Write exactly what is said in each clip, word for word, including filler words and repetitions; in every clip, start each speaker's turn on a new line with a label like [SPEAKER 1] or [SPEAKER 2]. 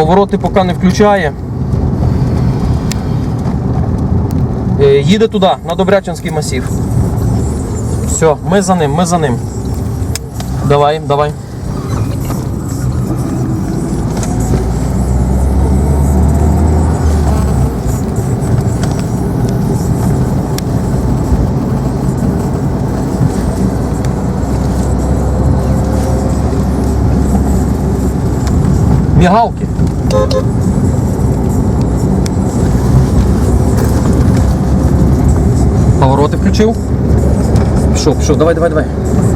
[SPEAKER 1] Повороти поки не включає. Їде туди, на Добрячинський масів. Все, ми за ним, ми за ним. Давай, давай. Мігалки. Повороти включив. Пішов, пішов, давай, давай, давай.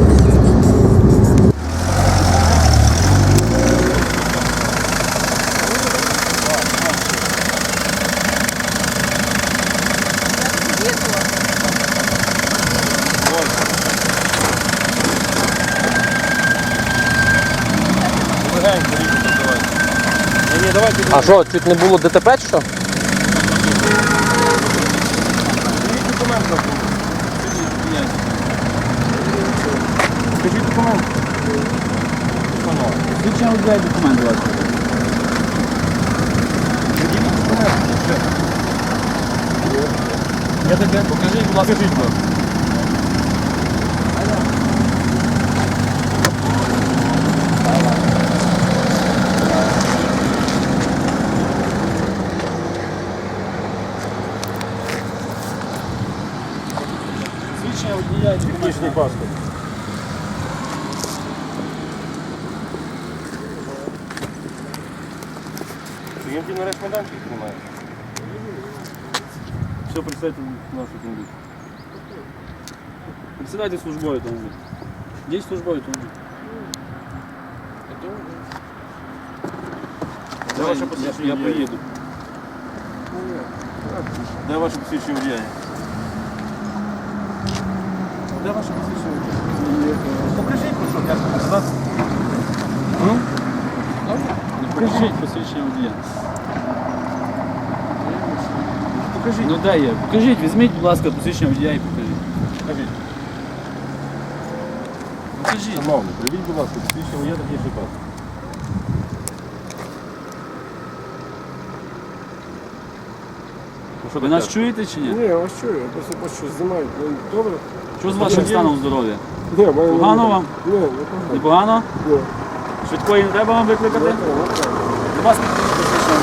[SPEAKER 1] А що, чуть не було ДТП чи що?
[SPEAKER 2] Скажіть документ. Звичайно, дай документ, будь ласка. Я тебе покажіть, будь ласка. Покажіть, будь ласка. Свідчення водія і технічний паспорт.
[SPEAKER 3] Він ті нарешті майданчик тримає.
[SPEAKER 2] Все, присядьте в нашу автомобіль. Присідайте в службовий автомобіль. Є службовий автомобіль.
[SPEAKER 3] Де ваше
[SPEAKER 2] Я,
[SPEAKER 3] посвідчення
[SPEAKER 2] я
[SPEAKER 3] водія?
[SPEAKER 2] приїду.
[SPEAKER 3] Де ваше посвідчення водія? Де ваше посвідчення водія? Покажіть, ну що, я ж показати.
[SPEAKER 2] Покажіть посвідчення водія.
[SPEAKER 3] Покажіть.
[SPEAKER 2] Ну де є? Покажіть, візьміть, будь ласка, посвідчення водія і покажіть.
[SPEAKER 3] Покажіть.
[SPEAKER 2] Покажіть.
[SPEAKER 3] Шановний, привіть, будь ласка, посвідчення водія технічний паспорт. Ну, що
[SPEAKER 2] Ви
[SPEAKER 3] таке?
[SPEAKER 2] нас чуєте чи ні?
[SPEAKER 4] Ні, я вас чую, я просто бачу, що знімають. Ну, добре?
[SPEAKER 2] Що з вашим станом здоров'я?
[SPEAKER 4] Ні, мене не
[SPEAKER 2] Погано
[SPEAKER 4] буде.
[SPEAKER 2] вам?
[SPEAKER 4] Ні, не погано.
[SPEAKER 2] Непогано?
[SPEAKER 4] Ні.
[SPEAKER 2] Швидкої не треба вам викликати?
[SPEAKER 4] Не треба, не треба.
[SPEAKER 2] Будь ласка, посвідчення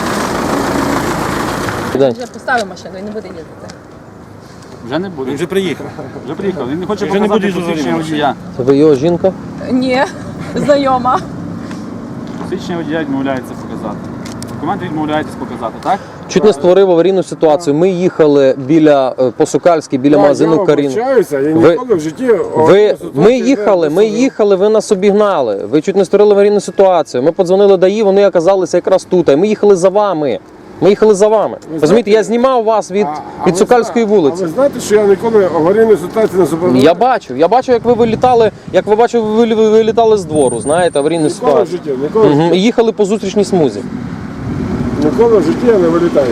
[SPEAKER 2] водія.
[SPEAKER 5] Вже поставив машину і не буде їздити.
[SPEAKER 2] Вже не буде.
[SPEAKER 3] Він вже приїхав.
[SPEAKER 2] Вже приїхав. Він не хоче
[SPEAKER 3] Вже не
[SPEAKER 2] показати
[SPEAKER 3] буде
[SPEAKER 2] посвідчення
[SPEAKER 3] їздити.
[SPEAKER 2] водія.
[SPEAKER 1] Це ви його жінка?
[SPEAKER 5] Ні, знайома.
[SPEAKER 2] Посвідчення водія відмовляється показати. Документи відмовляєтесь показати, так?
[SPEAKER 1] Чуть не створив аварійну ситуацію. Ми їхали біля е, по Сокальській, біля
[SPEAKER 4] Так,
[SPEAKER 1] магазину
[SPEAKER 4] я
[SPEAKER 1] Карін.
[SPEAKER 4] вибачаюся, я
[SPEAKER 1] Ви-
[SPEAKER 4] ніколи в житті...
[SPEAKER 1] Ви, ми їхали, ми їхали, ви нас обігнали. Ви чуть не створили аварійну ситуацію. Ми подзвонили ДАІ, вони оказалися якраз тут. І ми їхали за вами. Ми їхали за вами. Розумієте, я знімав вас від, від Сокальської
[SPEAKER 4] А
[SPEAKER 1] вулиці.
[SPEAKER 4] ви знаєте, що я ніколи аварійної ситуації не зупиняв?
[SPEAKER 1] Я бачив, я бачив, як ви вилітали, як ви бачив, ви ви вилітали з двору, знаєте, аварійну
[SPEAKER 4] Ніколи в
[SPEAKER 1] ситуацію.
[SPEAKER 4] житті, ніколи, в
[SPEAKER 1] Угу.
[SPEAKER 4] житті.
[SPEAKER 1] І їхали по зустрічній смузі.
[SPEAKER 4] Ніколи в житті я не вилітаю.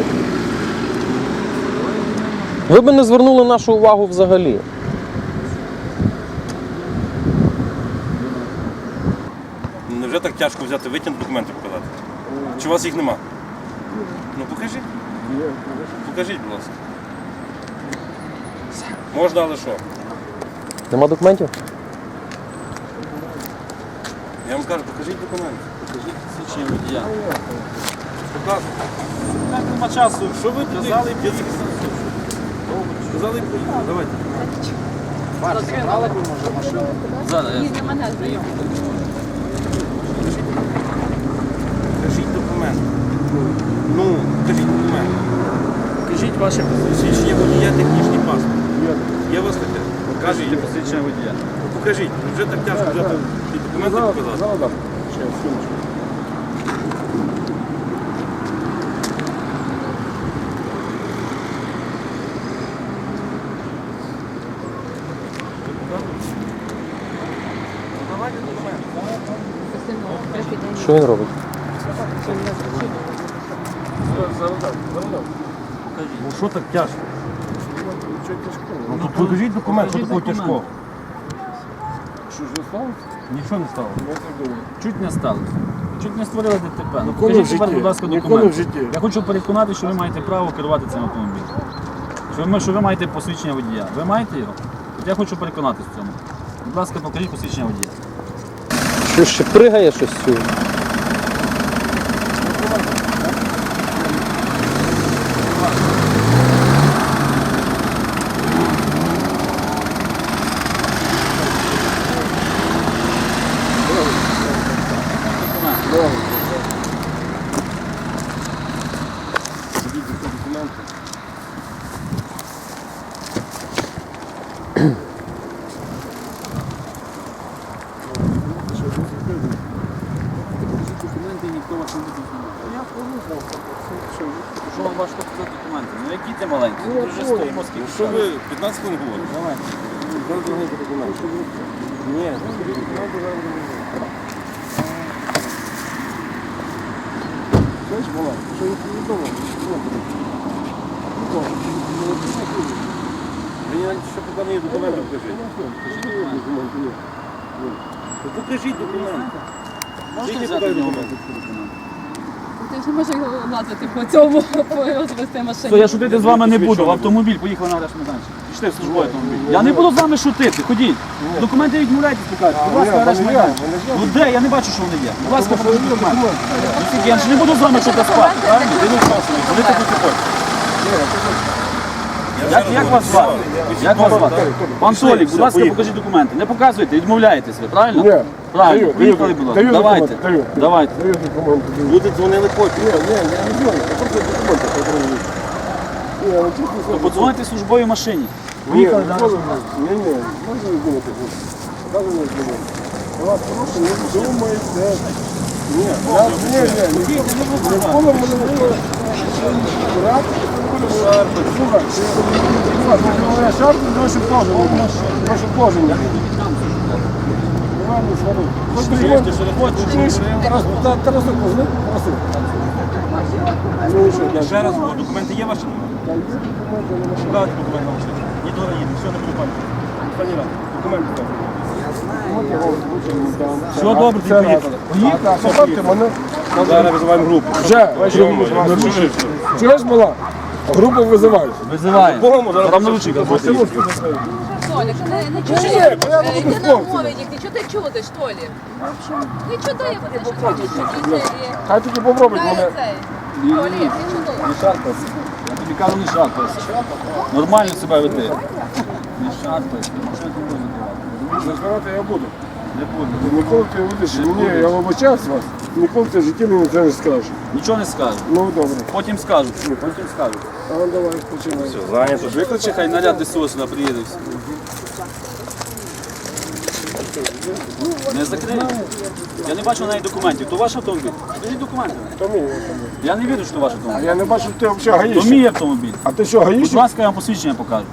[SPEAKER 1] Ви б не звернули нашу увагу взагалі.
[SPEAKER 3] Невже так тяжко взяти, витягнути документи показати? Чи у вас їх нема? Ну покажіть. Покажіть, будь ласка. Можна, але що?
[SPEAKER 1] Нема документів?
[SPEAKER 3] Я вам кажу, покажіть документи.
[SPEAKER 2] Покажіть посвідчення водія.
[SPEAKER 3] Показуйте.
[SPEAKER 2] Так, нема часу.
[SPEAKER 3] Що ви туди?
[SPEAKER 2] Казали,
[SPEAKER 3] Я тільки Сказали, поїхали. Давайте.
[SPEAKER 2] Зараз я.
[SPEAKER 5] Їздить мене знайома.
[SPEAKER 3] Покажіть документи. Ну, покажіть документи.
[SPEAKER 2] Покажіть ваше
[SPEAKER 3] Свідчення водія, технічний паспорт. Я вас таке.
[SPEAKER 2] Покажіть
[SPEAKER 3] Покажіть.
[SPEAKER 2] посвідчення водія.
[SPEAKER 3] Покажіть. Вже так тяжко взяти ті документи
[SPEAKER 4] Зараз,
[SPEAKER 3] показати.
[SPEAKER 4] зараз дам. Ще, секундочку.
[SPEAKER 3] Давайте документи.
[SPEAKER 1] Що він робить?
[SPEAKER 4] Зараз дам, зараз дам.
[SPEAKER 3] Ну що так тяжко?
[SPEAKER 4] Нічого тяжкого.
[SPEAKER 3] Ну тут покажіть документ, що
[SPEAKER 2] покажіть
[SPEAKER 3] такого
[SPEAKER 2] документ.
[SPEAKER 3] тяжкого.
[SPEAKER 4] Що ж не сталося?
[SPEAKER 3] Нічого не стало.
[SPEAKER 4] Я так думаю.
[SPEAKER 2] Чуть не сталося. Чуть не створили ДТП. Ну,
[SPEAKER 4] Ніколи в
[SPEAKER 2] покажіть тепер,
[SPEAKER 4] житті.
[SPEAKER 2] будь ласка,
[SPEAKER 4] Ніколи
[SPEAKER 2] документи.
[SPEAKER 4] в житті.
[SPEAKER 2] Я хочу переконати, що ви маєте право керувати цим автомобілем. Що ви, що ви маєте посвідчення водія. Ви маєте його? От я хочу переконатися в цьому. Будь ласка, покажіть посвідчення водія.
[SPEAKER 1] Що ще пригає щось сюди?
[SPEAKER 2] Документи ніхто вас не буде знімати. Я порушав. Що вам важко показати документи? Ну які ти маленькі? Ми вже стоїмо скільки.
[SPEAKER 3] Що ви п'ятнадцять хвилин говорите?
[SPEAKER 2] Давай.
[SPEAKER 3] Ні.
[SPEAKER 4] Знаєш, мала, що я повідомив?
[SPEAKER 3] Мені ще поки не є документи, покажіть. Ну, покажіть документи.
[SPEAKER 2] Можете
[SPEAKER 3] Скільки
[SPEAKER 2] взяти
[SPEAKER 3] подають
[SPEAKER 2] його?
[SPEAKER 3] документи?
[SPEAKER 5] Ти ж не можеш його лазити по цьому, по розвести машині.
[SPEAKER 2] Все, я шутити з вами не буду. В автомобіль, поїхали на арешт-майданчик. Пішли в службовий автомобіль. Я не буду з вами шутити, ходіть. Документи відмовляйтесь покажете. Будь ласка,
[SPEAKER 4] ні,
[SPEAKER 2] арешт-майданчик.
[SPEAKER 4] вони є,
[SPEAKER 2] Ну де? Я не бачу, що вони є. Будь ласка, покажіть документи. Ну, скільки? Я ж не буду з вами щось спати, правильно? Ти не вчасно. Коли ти тут хочеш? Як, як вас звати? Як вас звати? Пан Толік, будь ласка, покажіть документи. Не показуйте, відмовляєтесь ви, правильно?
[SPEAKER 4] Ні.
[SPEAKER 2] Правильно,
[SPEAKER 4] Даю,
[SPEAKER 2] поїхали,
[SPEAKER 4] даю,
[SPEAKER 2] будь ласка.
[SPEAKER 4] даю
[SPEAKER 2] Давайте,
[SPEAKER 4] документи, даю.
[SPEAKER 2] давайте.
[SPEAKER 4] Даю документи. даю.
[SPEAKER 3] Люди дзвонили потім.
[SPEAKER 4] Ні, ні, я не знаю, я просто документи потрібні. Ні, ну чесно
[SPEAKER 2] То
[SPEAKER 4] слово.
[SPEAKER 2] подзвоните в службовій машині.
[SPEAKER 4] Ні,
[SPEAKER 2] Поїхали
[SPEAKER 4] ні,
[SPEAKER 2] далі.
[SPEAKER 4] ні, ні, можна не думати. Даже не думати. Я вас прошу, не думайте. Ні, я, ні, ні, ні, ніколи в мене не було. Рад, слухай, я шарпу, наше положення. Наше положення. Давай не свари. Хоч документи, що не хочеш. Тарас, Тарас, позна, Тарас. Ну, що,
[SPEAKER 3] Я ще раз говорю, документи є ваші?
[SPEAKER 4] там є документи, не можна.
[SPEAKER 3] Дайте документи на машину. Ні, дорога їде, все, не буду пам'ятати. Пані Рад, документи дайте.
[SPEAKER 2] Все добре, ти
[SPEAKER 4] Це раз.
[SPEAKER 2] поїхали.
[SPEAKER 4] А так, поправте мене.
[SPEAKER 3] Зараз визиваємо групу.
[SPEAKER 4] Вже, чуєш, мала? Групу визивають.
[SPEAKER 2] Визиваємо.
[SPEAKER 3] Богому, зараз
[SPEAKER 2] Там наручника буде.
[SPEAKER 5] Толік, не, не чуєш?
[SPEAKER 4] Ні, я буду
[SPEAKER 5] Е, Йди
[SPEAKER 4] з
[SPEAKER 5] на
[SPEAKER 4] хлопцями.
[SPEAKER 5] мові, ти чого ти чудиш, Толік? Не чудай, бо ти щось хочеш сидіти і...
[SPEAKER 4] Хай тільки попробують
[SPEAKER 5] Дай
[SPEAKER 4] мене.
[SPEAKER 5] цей. Толік, ти чудиш.
[SPEAKER 2] Не шарпайся. Я тобі кажу, не шарпайся. Нормально себе веди. Не шарпайся. Що ти будеш закривати?
[SPEAKER 4] Розбирати я буду.
[SPEAKER 2] Не буду.
[SPEAKER 4] Ніколи ти будеш, мені, я вибачаюсь вас, ніколи ти в житті мені це не скажеш.
[SPEAKER 2] Нічого не скажу.
[SPEAKER 4] Ну, добре.
[SPEAKER 2] Потім скажу. Потім скажу.
[SPEAKER 4] А ну давай, починай.
[SPEAKER 3] Зайнято.
[SPEAKER 2] Викличе, хай наряд ДСО сюди приїде. Не закрию. Я не бачу навіть документів. То ваш автомобіль. Скажіть документи.
[SPEAKER 4] То мій.
[SPEAKER 2] Я не вірю, що то ваш
[SPEAKER 4] А
[SPEAKER 2] автомобіль.
[SPEAKER 4] я не бачу, що ти взагалі
[SPEAKER 2] То
[SPEAKER 4] гаїшся.
[SPEAKER 2] мій автомобіль.
[SPEAKER 4] А ти що,
[SPEAKER 2] Будь
[SPEAKER 4] гаїшся?
[SPEAKER 2] ласка, я вам посвідчення покажу.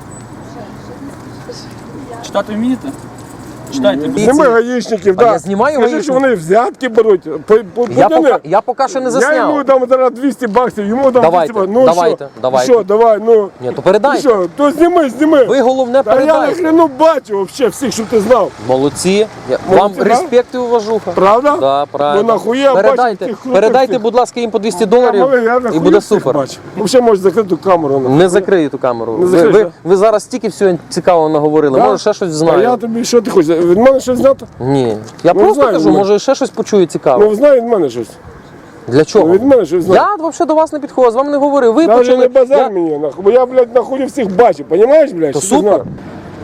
[SPEAKER 2] Читати вмієте? Читайте. будь
[SPEAKER 4] Нема гаїшників,
[SPEAKER 1] А
[SPEAKER 4] так.
[SPEAKER 1] я знімаю
[SPEAKER 4] Скажи, що
[SPEAKER 1] гаїшників?
[SPEAKER 4] вони взятки беруть. По, по,
[SPEAKER 1] Я
[SPEAKER 4] подяни.
[SPEAKER 1] пока, я поки що не
[SPEAKER 4] Я йому
[SPEAKER 1] засняв.
[SPEAKER 4] дам зараз двісті баксів, йому дам
[SPEAKER 1] Давайте,
[SPEAKER 4] двісті баксів. Ну
[SPEAKER 1] давайте,
[SPEAKER 4] що?
[SPEAKER 1] давайте.
[SPEAKER 4] Що, давай, ну.
[SPEAKER 1] Ні, то
[SPEAKER 4] Ну
[SPEAKER 1] передайте.
[SPEAKER 4] що, то зніми, зніми.
[SPEAKER 1] Ви головне
[SPEAKER 4] Та я
[SPEAKER 1] передайте.
[SPEAKER 4] нахрену бачу взагалі всіх, щоб ти знав.
[SPEAKER 1] Молодці. Я- Вам
[SPEAKER 4] Молодці, да?
[SPEAKER 1] респект і уважуха.
[SPEAKER 4] Правда?
[SPEAKER 1] Да, правильно.
[SPEAKER 4] Ну нахуя бачу
[SPEAKER 1] передайте,
[SPEAKER 4] таких хлопців
[SPEAKER 1] передайте,
[SPEAKER 4] всіх?
[SPEAKER 1] будь ласка, їм по двісті
[SPEAKER 4] Я
[SPEAKER 1] доларів
[SPEAKER 4] малий, я
[SPEAKER 1] і
[SPEAKER 4] нахуя
[SPEAKER 1] буде
[SPEAKER 4] всіх
[SPEAKER 1] супер.
[SPEAKER 4] бачу. Взагалі можеш закрити камеру. нахуй.
[SPEAKER 1] Не закрию ту камеру.
[SPEAKER 4] Не
[SPEAKER 1] Ви,
[SPEAKER 4] закриєш,
[SPEAKER 1] ви,
[SPEAKER 4] да?
[SPEAKER 1] ви зараз стільки всього цікавого наговорили.
[SPEAKER 4] Да?
[SPEAKER 1] Може ще щось
[SPEAKER 4] А я
[SPEAKER 1] знаю.
[SPEAKER 4] тобі, що ти хочеш? Від мене щось знати?
[SPEAKER 1] Ні. Я
[SPEAKER 4] Ну,
[SPEAKER 1] просто
[SPEAKER 4] знаю,
[SPEAKER 1] кажу,
[SPEAKER 4] ну.
[SPEAKER 1] може ще щось почую цікаве.
[SPEAKER 4] Ну, знай від мене щось.
[SPEAKER 1] Для чого?
[SPEAKER 4] Від мене щось знай.
[SPEAKER 1] Я взагалі до вас не підходив, з вами не говорив. Ви
[SPEAKER 4] Навіть
[SPEAKER 1] почали.
[SPEAKER 4] не базар
[SPEAKER 1] Я-
[SPEAKER 4] мені, нахуй, бо я, блядь, нахуй всіх бачу, понімаєш, блядь?
[SPEAKER 1] То
[SPEAKER 4] що ти
[SPEAKER 1] супер.
[SPEAKER 4] знаєш?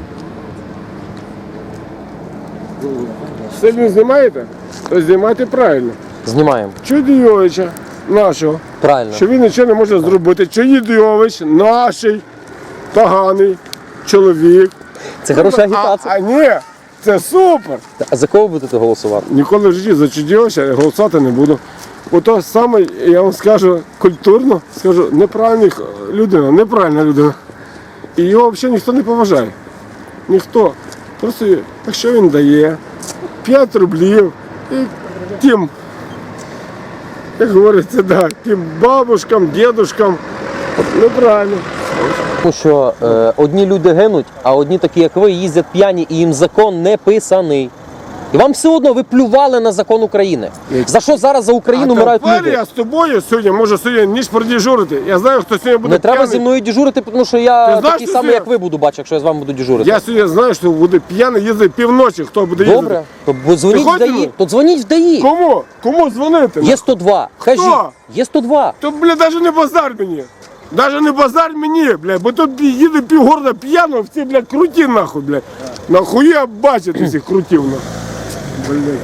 [SPEAKER 4] Все він знімаєте? То знімайте правильно.
[SPEAKER 1] Знімаємо.
[SPEAKER 4] Чудійовича нашого,
[SPEAKER 1] Правильно.
[SPEAKER 4] що він нічого не може зробити. Чудійович наший поганий чоловік.
[SPEAKER 1] Це хороша
[SPEAKER 4] А,
[SPEAKER 1] агітація.
[SPEAKER 4] а ні, це супер.
[SPEAKER 1] А за кого будете голосувати?
[SPEAKER 4] Ніколи в житті за Чудійовича голосувати не буду. Бо то саме, я вам скажу культурно, скажу, неправильна людина, неправильна людина. І його взагалі ніхто не поважає. Ніхто. Просто якщо він дає п'ять рублів і тим, як говориться, да, тим бабушкам, дідушкам, неправильно.
[SPEAKER 1] Тому що е, одні люди гинуть, а одні такі, як ви, їздять п'яні і їм закон не писаний. І вам все одно ви плювали на закон України. За що зараз за Україну
[SPEAKER 4] А
[SPEAKER 1] вмирають
[SPEAKER 4] тепер
[SPEAKER 1] люди?
[SPEAKER 4] я з тобою сьогодні можу сьогодні ніч продіжурити. Я знаю, хто сьогодні буде
[SPEAKER 1] Не треба
[SPEAKER 4] п'яний.
[SPEAKER 1] зі мною дежурити, тому що я
[SPEAKER 4] Ти знаєш,
[SPEAKER 1] такий
[SPEAKER 4] що
[SPEAKER 1] самий,
[SPEAKER 4] це?
[SPEAKER 1] як ви буду бачити, якщо я з вами буду дежурити.
[SPEAKER 4] Я сьогодні знаю, що буде п'яний їздити півночі, хто буде їздити.
[SPEAKER 1] Добре, то бо дзвоніть в
[SPEAKER 4] хочеш
[SPEAKER 1] ДАІ.
[SPEAKER 4] мене?
[SPEAKER 1] То дзвоніть в ДАІ.
[SPEAKER 4] Кому? Кому дзвонити?
[SPEAKER 1] Є сто два. Кажіть, є сто два.
[SPEAKER 4] То, бля, навіть не базар мені. Навіть не базар мені, бля, бо тут їде півгорода п'яно, всі, бля, круті нахуй, бля. Нахуя бачити всіх крутів, нахуй. Блядь.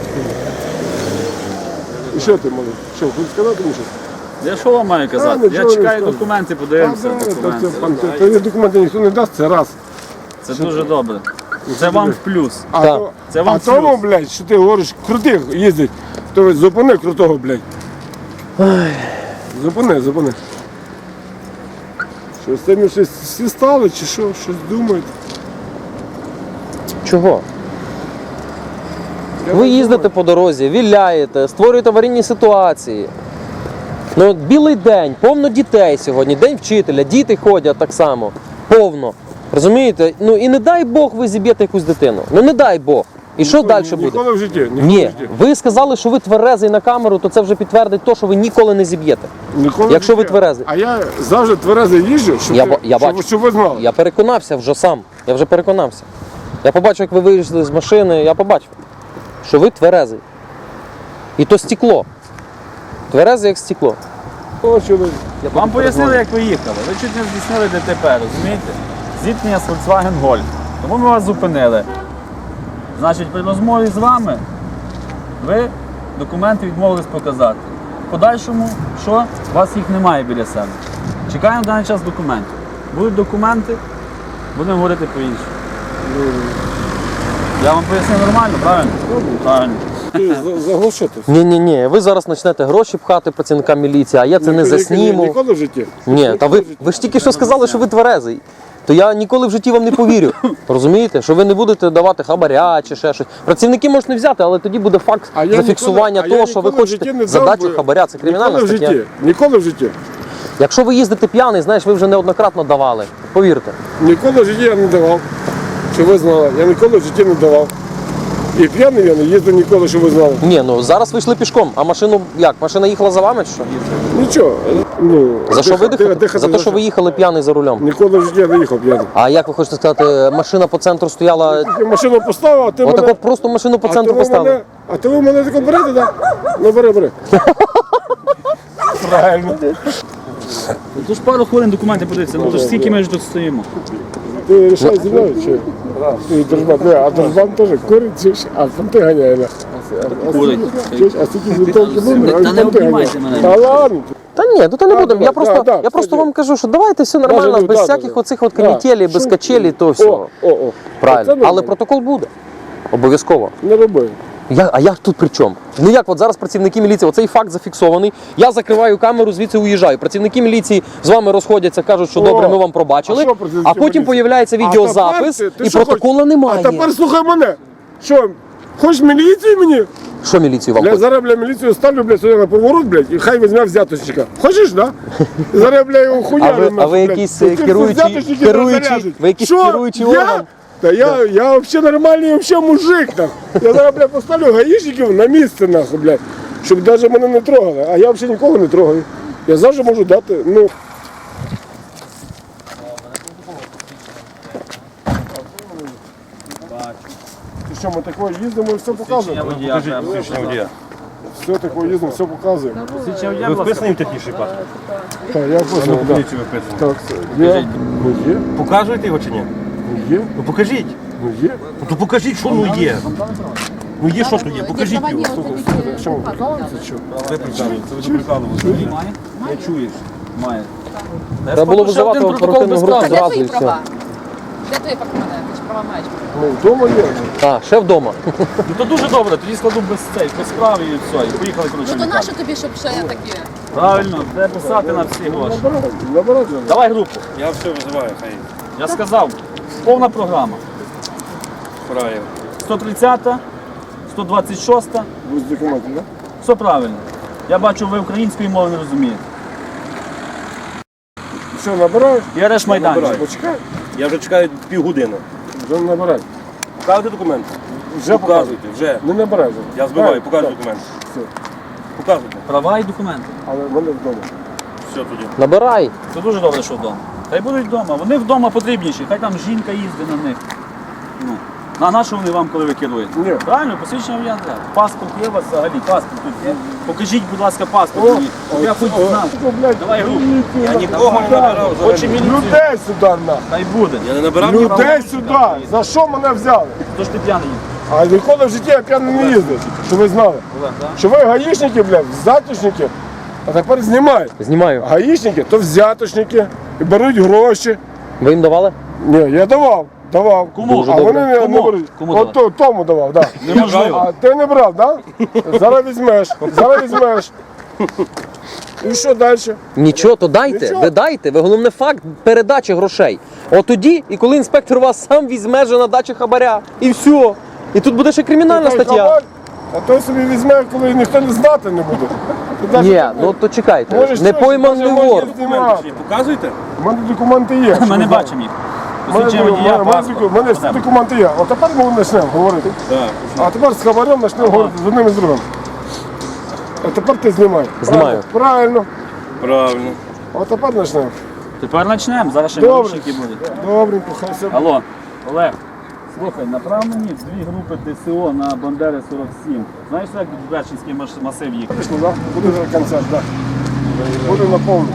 [SPEAKER 4] І що ти, малий? Що, хочеш сказати мені щось?
[SPEAKER 2] Я що вам маю
[SPEAKER 4] А,
[SPEAKER 2] казати?
[SPEAKER 4] нічого
[SPEAKER 2] Я
[SPEAKER 4] не
[SPEAKER 2] чекаю
[SPEAKER 4] скажу.
[SPEAKER 2] документи,
[SPEAKER 4] А,
[SPEAKER 2] подивимося
[SPEAKER 4] да, то
[SPEAKER 2] документи.
[SPEAKER 4] це, пан, то- то є документи ніхто не дасть, це раз.
[SPEAKER 2] Це дуже добре. Це вам в плюс.
[SPEAKER 4] А,
[SPEAKER 1] Так.
[SPEAKER 4] то,
[SPEAKER 2] Це вам
[SPEAKER 4] а тому,
[SPEAKER 2] плюс.
[SPEAKER 4] блядь, що ти говориш, крутих їздить, то ви зупини крутого, блядь. Зупини, зупини. Що з тими щось всі стали, чи що, щось думають?
[SPEAKER 1] Чого?
[SPEAKER 4] Я
[SPEAKER 1] Ви
[SPEAKER 4] не
[SPEAKER 1] їздите
[SPEAKER 4] думаю.
[SPEAKER 1] по дорозі, віляєте, створюєте аварійні ситуації. Ну, от білий день, повно дітей сьогодні, день вчителя, діти ходять так само, повно. Розумієте? Ну і не дай Бог ви зіб'єте якусь дитину. Ну не дай Бог. І що
[SPEAKER 4] Ніколи-
[SPEAKER 1] далі буде?
[SPEAKER 4] Ніколи в житті. Ніколи в
[SPEAKER 1] Ні,
[SPEAKER 4] житті.
[SPEAKER 1] ви сказали, що ви тверезий на камеру, то це вже підтвердить те, що ви ніколи не зіб'єте.
[SPEAKER 4] Ніколи в
[SPEAKER 1] Якщо ви
[SPEAKER 4] житті.
[SPEAKER 1] тверезий.
[SPEAKER 4] А я завжди тверезий їжджу, щоб,
[SPEAKER 1] Я
[SPEAKER 4] ти-
[SPEAKER 1] ба- я
[SPEAKER 4] щоб,
[SPEAKER 1] бачу.
[SPEAKER 4] щоб ви знали.
[SPEAKER 1] Я переконався вже сам. Я вже переконався. Я побачив, як ви вийшли з машини, я побачив, що ви тверезий. І то стекло. Тверезий, як стекло.
[SPEAKER 4] О, чоловік.
[SPEAKER 2] Вам пояснили, як ви їхали. Ви чуть не здійснили ДТП, розумієте? Зіткнення з Volkswagen Golf. Тому ми вас зупинили. Значить, при розмові з вами ви документи відмовились показати. В подальшому, що? У вас їх немає біля себе. Чекаємо в даний час документів. Будуть документи, будемо говорити по-іншому. Я вам пояснив нормально, правильно? Правильно.
[SPEAKER 4] Ти за- заглушити.
[SPEAKER 1] Ні, ні, ні. Ви зараз почнете гроші пхати працівникам міліції, а я це не
[SPEAKER 4] Ніколи-
[SPEAKER 1] засніму.
[SPEAKER 4] Ніколи в житті.
[SPEAKER 1] Ні, та ви, ви ж тільки що сказали, що ви тверезий. То я ніколи в житті вам не повірю. Розумієте? Що ви не будете давати хабаря чи ще щось. Працівники можуть не взяти, але тоді буде факт
[SPEAKER 4] А я
[SPEAKER 1] зафіксування
[SPEAKER 4] ніколи- а я
[SPEAKER 1] того, що ви
[SPEAKER 4] ніколи в житті не
[SPEAKER 1] хочете
[SPEAKER 4] дав
[SPEAKER 1] задачу
[SPEAKER 4] би-
[SPEAKER 1] хабаря. Це кримінальна
[SPEAKER 4] Ніколи в
[SPEAKER 1] стаття.
[SPEAKER 4] житті. Ніколи в житті.
[SPEAKER 1] Якщо ви їздите п'яний, знаєш, ви вже неоднократно давали. Повірте.
[SPEAKER 4] Ніколи в житті я не давав. Щоб ви знали. Я ніколи в житті не давав. І п'яний я не їздив ніколи, щоб ви знали.
[SPEAKER 1] Ні, ну зараз ви йшли пішком, а машину як? Машина їхала за вами чи що?
[SPEAKER 4] Нічого. Ну,
[SPEAKER 1] За що ви
[SPEAKER 4] дихати-
[SPEAKER 1] дихали?
[SPEAKER 4] дихати
[SPEAKER 1] За те, що ви їхали п'яний за рулем.
[SPEAKER 4] Ніколи в житті я не їхав п'яний.
[SPEAKER 1] А як ви хочете сказати, машина по центру стояла.
[SPEAKER 4] Я машину поставив, а ти
[SPEAKER 1] Отако
[SPEAKER 4] мене...
[SPEAKER 1] просто машину по
[SPEAKER 4] а
[SPEAKER 1] центру
[SPEAKER 4] ти ви
[SPEAKER 1] поставили.
[SPEAKER 4] мене- А ти ви мене тако берете, так? Ну бери, бери. Правильно.
[SPEAKER 2] Тож пару хвилин документи подивіться, ну то ж скільки ми ж тут стоїмо.
[SPEAKER 4] Ти рішай зі мною чи? Ти держбан, не, а держбан теж курить, чи ж? А фанти ганяє. на. А
[SPEAKER 2] Курить.
[SPEAKER 4] скільки- чи ж? А скільки вінтовки номер, а
[SPEAKER 2] Та
[SPEAKER 4] він
[SPEAKER 2] не
[SPEAKER 4] фанти
[SPEAKER 2] обнімайте
[SPEAKER 4] ганяє.
[SPEAKER 2] мене.
[SPEAKER 4] Та ладно.
[SPEAKER 1] Та ні, тут не
[SPEAKER 4] Да,
[SPEAKER 1] будемо.
[SPEAKER 4] давай,
[SPEAKER 1] Я просто,
[SPEAKER 4] да, да,
[SPEAKER 1] я просто
[SPEAKER 4] кстати.
[SPEAKER 1] вам кажу, що давайте все нормально,
[SPEAKER 4] Даже,
[SPEAKER 1] без
[SPEAKER 4] да,
[SPEAKER 1] всяких
[SPEAKER 4] да,
[SPEAKER 1] оцих от
[SPEAKER 4] да.
[SPEAKER 1] канітелі, без
[SPEAKER 4] Що-
[SPEAKER 1] качелі, то
[SPEAKER 4] О,
[SPEAKER 1] все.
[SPEAKER 4] о, о.
[SPEAKER 1] Правильно.
[SPEAKER 4] Це
[SPEAKER 1] Але
[SPEAKER 4] нормально.
[SPEAKER 1] протокол буде. Обов'язково.
[SPEAKER 4] Не роби.
[SPEAKER 1] Я, а я тут при чому? Ну як от зараз працівники міліції, оцей факт зафіксований. Я закриваю камеру, звідси уїжджаю. Працівники міліції з вами розходяться, кажуть, що
[SPEAKER 4] О,
[SPEAKER 1] добре, ми вам
[SPEAKER 4] а
[SPEAKER 1] пробачили.
[SPEAKER 4] що працівники
[SPEAKER 1] А потім
[SPEAKER 4] міліції?
[SPEAKER 1] появляється
[SPEAKER 4] А
[SPEAKER 1] відеозапис,
[SPEAKER 4] тепер ти- ти
[SPEAKER 1] і
[SPEAKER 4] що
[SPEAKER 1] протоколу
[SPEAKER 4] хочеш?
[SPEAKER 1] немає.
[SPEAKER 4] А тепер слухай мене. Що, хочеш міліцію мені?
[SPEAKER 1] Що міліцію вам
[SPEAKER 4] Я
[SPEAKER 1] хоче?
[SPEAKER 4] зараз, бля, міліцію ставлю, бля, сюди на поворот, блядь, і хай візьме взяточника. Хочеш, да? Зараз, бля, його
[SPEAKER 1] А
[SPEAKER 4] хуярю.
[SPEAKER 1] ви, а
[SPEAKER 4] нахуй,
[SPEAKER 1] ви
[SPEAKER 4] блядь.
[SPEAKER 1] якийсь
[SPEAKER 4] Ну,
[SPEAKER 1] е,
[SPEAKER 4] ти всі
[SPEAKER 1] керуючий,
[SPEAKER 4] взяточники
[SPEAKER 1] керуючий,
[SPEAKER 4] розряжуть.
[SPEAKER 1] ви якийсь
[SPEAKER 4] Що?
[SPEAKER 1] керуючий
[SPEAKER 4] Я?
[SPEAKER 1] орган?
[SPEAKER 4] Та я, я взагалі нормальний взагалі мужик, нахуй. Я зараз, бля, поставлю гаїшників на місце, нахуй, блядь, щоб навіть мене не трогали. А я взагалі нікого не трогаю. Я завжди можу дати, ну... Ти що, ми такого їздимо і все показуємо?
[SPEAKER 2] Водія, треба
[SPEAKER 3] Посвідчення водія.
[SPEAKER 4] Все такого їздимо, все показуємо.
[SPEAKER 2] Посвідчення водія,
[SPEAKER 3] Ви
[SPEAKER 2] будь ласка.
[SPEAKER 3] вписані в технічний паспорт?
[SPEAKER 4] Так, я
[SPEAKER 3] Ну,
[SPEAKER 4] понял,
[SPEAKER 3] в
[SPEAKER 4] да.
[SPEAKER 3] поліцію ви вписані.
[SPEAKER 4] Так, це- є, ну є,
[SPEAKER 3] Показуєте його чи ні?
[SPEAKER 4] ну є,
[SPEAKER 3] Ну покажіть.
[SPEAKER 4] ну є.
[SPEAKER 3] Ну то покажіть, що ну є. Ну є, що тут є, покажіть його.
[SPEAKER 4] Що ми прикалуємося, що?
[SPEAKER 3] Ви прикалуєте, це ви прикалуєте.
[SPEAKER 2] Має? Не чуєш? Має.
[SPEAKER 1] Треба було визивати оперативну групу
[SPEAKER 5] Де
[SPEAKER 1] зразу і
[SPEAKER 5] твої
[SPEAKER 1] все.
[SPEAKER 5] права? Де твої права? Ти ж права маєш.
[SPEAKER 4] Ну, вдома є.
[SPEAKER 1] А, ще вдома.
[SPEAKER 2] Ну то дуже добре, тоді складу без цей, без справи і все. І поїхали, коротше,
[SPEAKER 5] Ну
[SPEAKER 2] в
[SPEAKER 5] то
[SPEAKER 2] лікарню.
[SPEAKER 5] нащо тобі, щоб ще такі?
[SPEAKER 2] Правильно, де писати на всі гроші.
[SPEAKER 4] Набирай, набирай.
[SPEAKER 2] Давай групу.
[SPEAKER 3] Я все визиваю, хай
[SPEAKER 2] Я сказав, повна програма.
[SPEAKER 3] правильно.
[SPEAKER 2] сто тридцята, сто двадцять шоста,
[SPEAKER 4] Без документів, так?
[SPEAKER 2] все правильно. Я бачу, ви української мови не розумієте.
[SPEAKER 4] Все, набирай.
[SPEAKER 2] І арешт майданчик.
[SPEAKER 3] Набираю.
[SPEAKER 4] Почекай,
[SPEAKER 3] Я вже чекаю півгодини.
[SPEAKER 4] вже набирай.
[SPEAKER 3] Показуйте документи.
[SPEAKER 4] Вже
[SPEAKER 3] Показуйте, вже.
[SPEAKER 4] Не набирай вже.
[SPEAKER 3] Я збиваю,
[SPEAKER 4] Так,
[SPEAKER 3] показуй
[SPEAKER 4] так.
[SPEAKER 3] документи.
[SPEAKER 4] Все.
[SPEAKER 3] Показуйте.
[SPEAKER 2] Права і документи.
[SPEAKER 4] Але вони вдома.
[SPEAKER 3] Все тоді.
[SPEAKER 1] Набирай.
[SPEAKER 2] Це дуже добре, що вдома. Хай будуть вдома. Вони вдома потрібніші, хай там жінка їздить на них. Ну. А на що вони вам, коли ви керуєте?
[SPEAKER 4] Ні.
[SPEAKER 2] Правильно, посвідчення водія треба. Паспорт є у вас взагалі, паспорт тут є. Покажіть, будь ласка, паспорт мені. щоб Я хоч знав. Давай руку.
[SPEAKER 3] Я нікого не набирав
[SPEAKER 2] Хоче
[SPEAKER 3] взагалі.
[SPEAKER 2] міліцію.
[SPEAKER 4] Людей сюди на.
[SPEAKER 2] Хай буде.
[SPEAKER 3] Я не набирав нікого.
[SPEAKER 4] Людей сюди. За що мене взяли?
[SPEAKER 2] Тож ти п'яний їздиш.
[SPEAKER 4] А ніколи в житті я п'яний не їздив. Щоб ви знали.
[SPEAKER 2] Олег, так?
[SPEAKER 4] Що ви гаїшники, блядь, взяточники. А тепер знімають.
[SPEAKER 1] Знімаю.
[SPEAKER 4] Гаїшники то взяточники. І беруть гроші.
[SPEAKER 1] Ви їм давали?
[SPEAKER 4] Ні, я давав. Давав.
[SPEAKER 2] Кому?
[SPEAKER 4] А
[SPEAKER 1] Дуже
[SPEAKER 4] вони
[SPEAKER 1] добре.
[SPEAKER 4] не, не
[SPEAKER 2] Кому?
[SPEAKER 4] беруть.
[SPEAKER 2] Кому
[SPEAKER 4] От то- тому давав, так. Да.
[SPEAKER 2] Неможливо.
[SPEAKER 4] А ти не брав, так? Да? Зараз візьмеш. Зараз візьмеш. І що далі?
[SPEAKER 1] Нічого, то дайте,
[SPEAKER 4] Нічого.
[SPEAKER 1] ви дайте. Ви головне факт передачі грошей. От тоді, і коли інспектор вас сам візьме же на дачі хабаря. І все. І тут буде ще кримінальна
[SPEAKER 4] Той
[SPEAKER 1] стаття.
[SPEAKER 4] хабар, А той собі візьме, коли ніхто не знати не буде. Ти навіть
[SPEAKER 1] Ні,
[SPEAKER 4] не-
[SPEAKER 1] ну то чекайте.
[SPEAKER 4] Можеш
[SPEAKER 1] Не
[SPEAKER 4] щось,
[SPEAKER 1] пойманий
[SPEAKER 4] може,
[SPEAKER 1] вор.
[SPEAKER 4] може,
[SPEAKER 3] Чи показуйте?
[SPEAKER 4] У мене документи є.
[SPEAKER 2] Ми не бачимо їх.
[SPEAKER 4] У мене,
[SPEAKER 2] Посвідчення
[SPEAKER 4] у
[SPEAKER 2] водія,
[SPEAKER 4] мене,
[SPEAKER 2] паспорт.
[SPEAKER 4] у мене всі документи є. От тепер ми почнемо говорити.
[SPEAKER 3] Так.
[SPEAKER 4] А тепер з хабарем почнемо говорити з одним і з другим. А тепер ти знімай.
[SPEAKER 1] Знімаю.
[SPEAKER 4] Правильно.
[SPEAKER 3] Правильно.
[SPEAKER 4] А тепер почнемо.
[SPEAKER 2] Тепер почнемо, зараз ще
[SPEAKER 4] Добре.
[SPEAKER 2] наручники будуть.
[SPEAKER 4] Добренько, хай все.
[SPEAKER 2] Алло, Олег, слухай, направ мені в дві групи ДСО на Бандери сорок сім. Знаєш, як в Берчинський маш- масив їх?
[SPEAKER 4] Пішло, так? Буде вже концерт, так. Буде наповнено.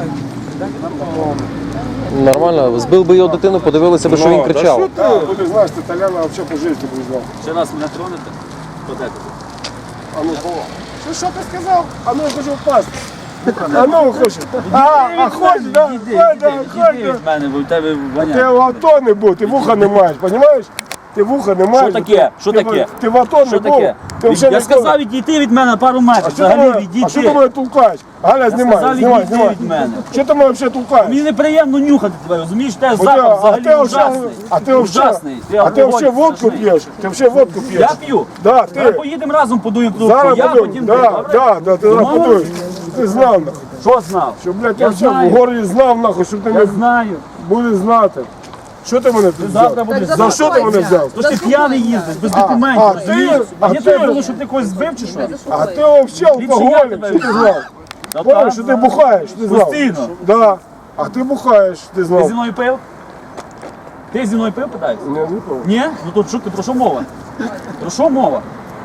[SPEAKER 1] Нормально, збив би його дитину, подивилися би, що він
[SPEAKER 3] Ну, та
[SPEAKER 1] кричав.
[SPEAKER 3] що
[SPEAKER 4] Так, буде, знаєш, ти Толяна взагалі по житті буде знати.
[SPEAKER 2] Ще раз мене тронете? Подайте.
[SPEAKER 4] А ну, що, що ти сказав? А ну, я хочу впасти. А ну, хоче. А, а хочеш, так?
[SPEAKER 2] Іди,
[SPEAKER 4] Ходь,
[SPEAKER 2] іди,
[SPEAKER 4] да,
[SPEAKER 2] іди
[SPEAKER 4] ходь,
[SPEAKER 2] від
[SPEAKER 4] да.
[SPEAKER 2] мене, бо в тебе
[SPEAKER 4] Ти
[SPEAKER 2] воняє.
[SPEAKER 4] в АТО не був, ти вуха не маєш, розумієш? Ти вуха не маєш.
[SPEAKER 2] таке?
[SPEAKER 4] ти-
[SPEAKER 2] Що
[SPEAKER 4] ти-
[SPEAKER 2] таке?
[SPEAKER 4] Ти в АТо
[SPEAKER 2] Що
[SPEAKER 4] не був.
[SPEAKER 2] таке?
[SPEAKER 4] Ти вже
[SPEAKER 2] Я
[SPEAKER 4] не
[SPEAKER 2] сказав
[SPEAKER 4] був.
[SPEAKER 2] відійти від мене на пару
[SPEAKER 4] А
[SPEAKER 2] метрів,
[SPEAKER 4] що ти
[SPEAKER 2] взагалі
[SPEAKER 4] мене- А що ти
[SPEAKER 2] відійти.
[SPEAKER 4] мене толкаєш? Галя, знімай,
[SPEAKER 2] сказав,
[SPEAKER 4] знімай,
[SPEAKER 2] відійди
[SPEAKER 4] знімай.
[SPEAKER 2] від мене.
[SPEAKER 4] Що ти мене взагалі толкаєш?
[SPEAKER 2] Мені неприємно нюхати тебе, розумієш? Те
[SPEAKER 4] Бо
[SPEAKER 2] запах
[SPEAKER 4] ти- а
[SPEAKER 2] взагалі
[SPEAKER 4] ти
[SPEAKER 2] ужасний.
[SPEAKER 4] взагалі- А ти
[SPEAKER 2] ужасний.
[SPEAKER 4] взагалі- А ти
[SPEAKER 2] алкоголь
[SPEAKER 4] взагалі водку
[SPEAKER 2] страшний.
[SPEAKER 4] п'єш? Ти взагалі водку п'єш?
[SPEAKER 2] Я п'ю.
[SPEAKER 4] Да,
[SPEAKER 2] Давай
[SPEAKER 4] ти.
[SPEAKER 2] поїдемо разом, подуємо трубку.
[SPEAKER 4] Зараз
[SPEAKER 2] Я
[SPEAKER 4] подумай.
[SPEAKER 2] потім ти,
[SPEAKER 4] Да,
[SPEAKER 2] добре?
[SPEAKER 4] да, да, ти зараз
[SPEAKER 2] Домовились?
[SPEAKER 4] подумай. Ти знав, нахуй.
[SPEAKER 2] Що знав?
[SPEAKER 4] Що, блядь, ти
[SPEAKER 2] Я
[SPEAKER 4] взагалі в
[SPEAKER 2] знаю.
[SPEAKER 4] городі знав, нахуй, щоб ти
[SPEAKER 2] Я
[SPEAKER 4] не
[SPEAKER 2] знаю.
[SPEAKER 4] будеш знати. Що ти мене тут
[SPEAKER 2] Завтра
[SPEAKER 4] взяв?
[SPEAKER 2] будеш
[SPEAKER 5] Так,
[SPEAKER 4] За що ти мене взяв?
[SPEAKER 2] Тож ти п'яний їздиш, без
[SPEAKER 4] а
[SPEAKER 2] документів,
[SPEAKER 4] ти-
[SPEAKER 2] розумієш?
[SPEAKER 4] а
[SPEAKER 2] А я
[SPEAKER 4] ти-
[SPEAKER 2] тобі говорю, що ти когось збив чи що?
[SPEAKER 4] А ти взагалі
[SPEAKER 2] Ліпше я
[SPEAKER 4] алкоголік,
[SPEAKER 2] тебе
[SPEAKER 4] що ти
[SPEAKER 2] візьму.
[SPEAKER 4] знав?
[SPEAKER 2] Та
[SPEAKER 4] Понял,
[SPEAKER 2] так,
[SPEAKER 4] що ти бухаєш, ти знав?
[SPEAKER 2] Постійно.
[SPEAKER 4] Да. А ти бухаєш, ти
[SPEAKER 2] Ти
[SPEAKER 4] знав?
[SPEAKER 2] зі мною пив? Ти зі мною пив, питаєшся?
[SPEAKER 4] Ні, не пив.
[SPEAKER 2] Ні? Ну то що ти, про що мова? Про що мова?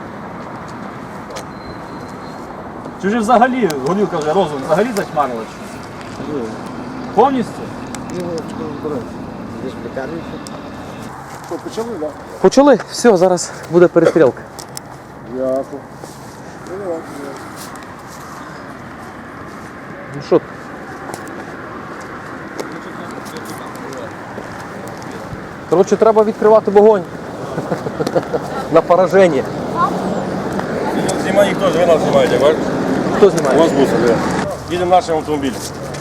[SPEAKER 2] Чи вже взагалі, горілка вже розум, взагалі затьмарила чи що? Повністю?
[SPEAKER 4] Що, почали, так?
[SPEAKER 1] Почали, все, зараз буде перестрілка.
[SPEAKER 4] Ясно.
[SPEAKER 1] Ну що? Коротше, треба відкривати вогонь. На пораження.
[SPEAKER 3] Знімай їх теж, ви нас знімаєте, бачите?
[SPEAKER 1] Хто
[SPEAKER 3] У
[SPEAKER 1] знімає?
[SPEAKER 3] вас буса, де? Їдемо нашим автомобілем.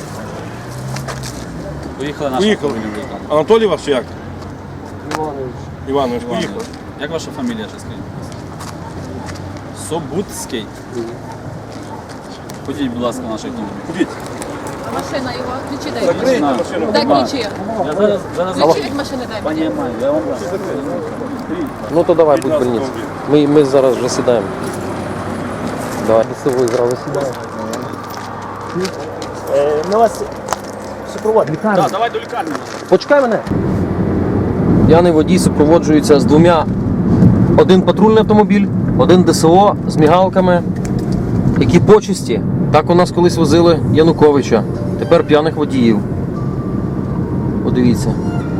[SPEAKER 2] Поїхали наші
[SPEAKER 3] Поїхали.
[SPEAKER 2] автомобілі.
[SPEAKER 3] Анатолій ваш чи як?
[SPEAKER 4] Іванович.
[SPEAKER 3] Іванович, поїхали.
[SPEAKER 2] Як ваша фамілія, ще скажіть? Собутський. Ходіть, будь ласка, в наш автомобіль.
[SPEAKER 3] Ходіть.
[SPEAKER 5] Машина його, ключі дай.
[SPEAKER 3] Закрийте
[SPEAKER 2] На.
[SPEAKER 3] машину.
[SPEAKER 5] Дай ключі.
[SPEAKER 2] Я зараз, зараз
[SPEAKER 5] Ключі від машини дай мені.
[SPEAKER 2] Понімаю, я вам дам.
[SPEAKER 1] Ну то давай,
[SPEAKER 3] Від
[SPEAKER 1] будь
[SPEAKER 3] нас
[SPEAKER 1] больниці.
[SPEAKER 3] автомобіль.
[SPEAKER 1] Ми, ми зараз вже сідаємо. Давай, з собою зразу сідаємо.
[SPEAKER 6] Ми вас супроводимо.
[SPEAKER 2] Так, давай до лікарні.
[SPEAKER 1] Почекай мене. П'яний водій супроводжується з двома. Один патрульний автомобіль, один ДСО з мігалками. Які почесті. Так у нас колись возили Януковича. Тепер п'яних водіїв. Подивіться.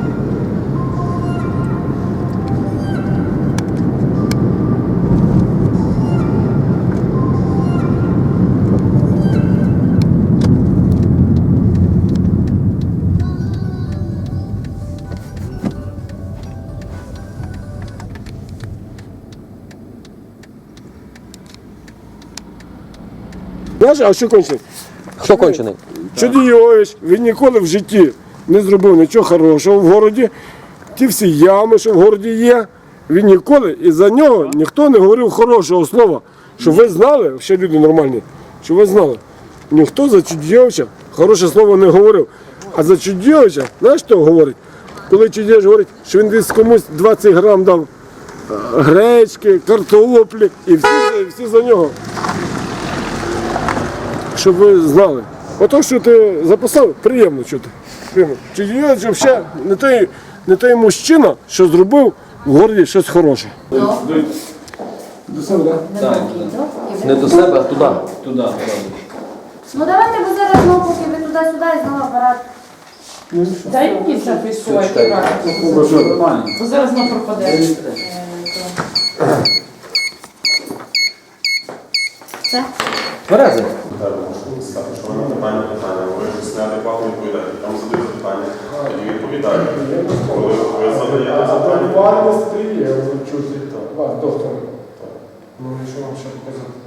[SPEAKER 4] Знаєш, а що кончить?
[SPEAKER 1] Хто кончений?
[SPEAKER 4] Чудійович, він ніколи в житті не зробив нічого хорошого в городі. Ті всі ями, що в городі є, він ніколи, і за нього ніхто не говорив хорошого слова. Щоб ви знали, ще люди нормальні, щоб ви знали, ніхто за Чудійовича хороше слово не говорив. А за Чудійовича, знаєш, що говорить? Коли Чудійович говорить, що він десь комусь двадцять грам дав гречки, картоплі і всі, всі за нього. Щоб ви знали. Ото, що ти записав, приємно чути. Приємно. Чи є взагалі не той, не той мужчина, що зробив в городі щось хороше. До себе, так?
[SPEAKER 1] Не до себе, а туди. Туди.
[SPEAKER 7] Ну давайте ви зараз знову, поки ви туди-сюди і знову апарат.
[SPEAKER 8] Дай мені записувати правильно.
[SPEAKER 2] Нормально.
[SPEAKER 8] Бо зараз вона пропаде.
[SPEAKER 7] Все?
[SPEAKER 1] Берези.
[SPEAKER 9] Що ви питання, питання, ви ж неадекватно відповідаєте. Там задають запитання, тоді відповідаєте. Коли ви задаєте запитання,
[SPEAKER 4] Вальність є, чути. Доктор. Ну, і що вам ще показати?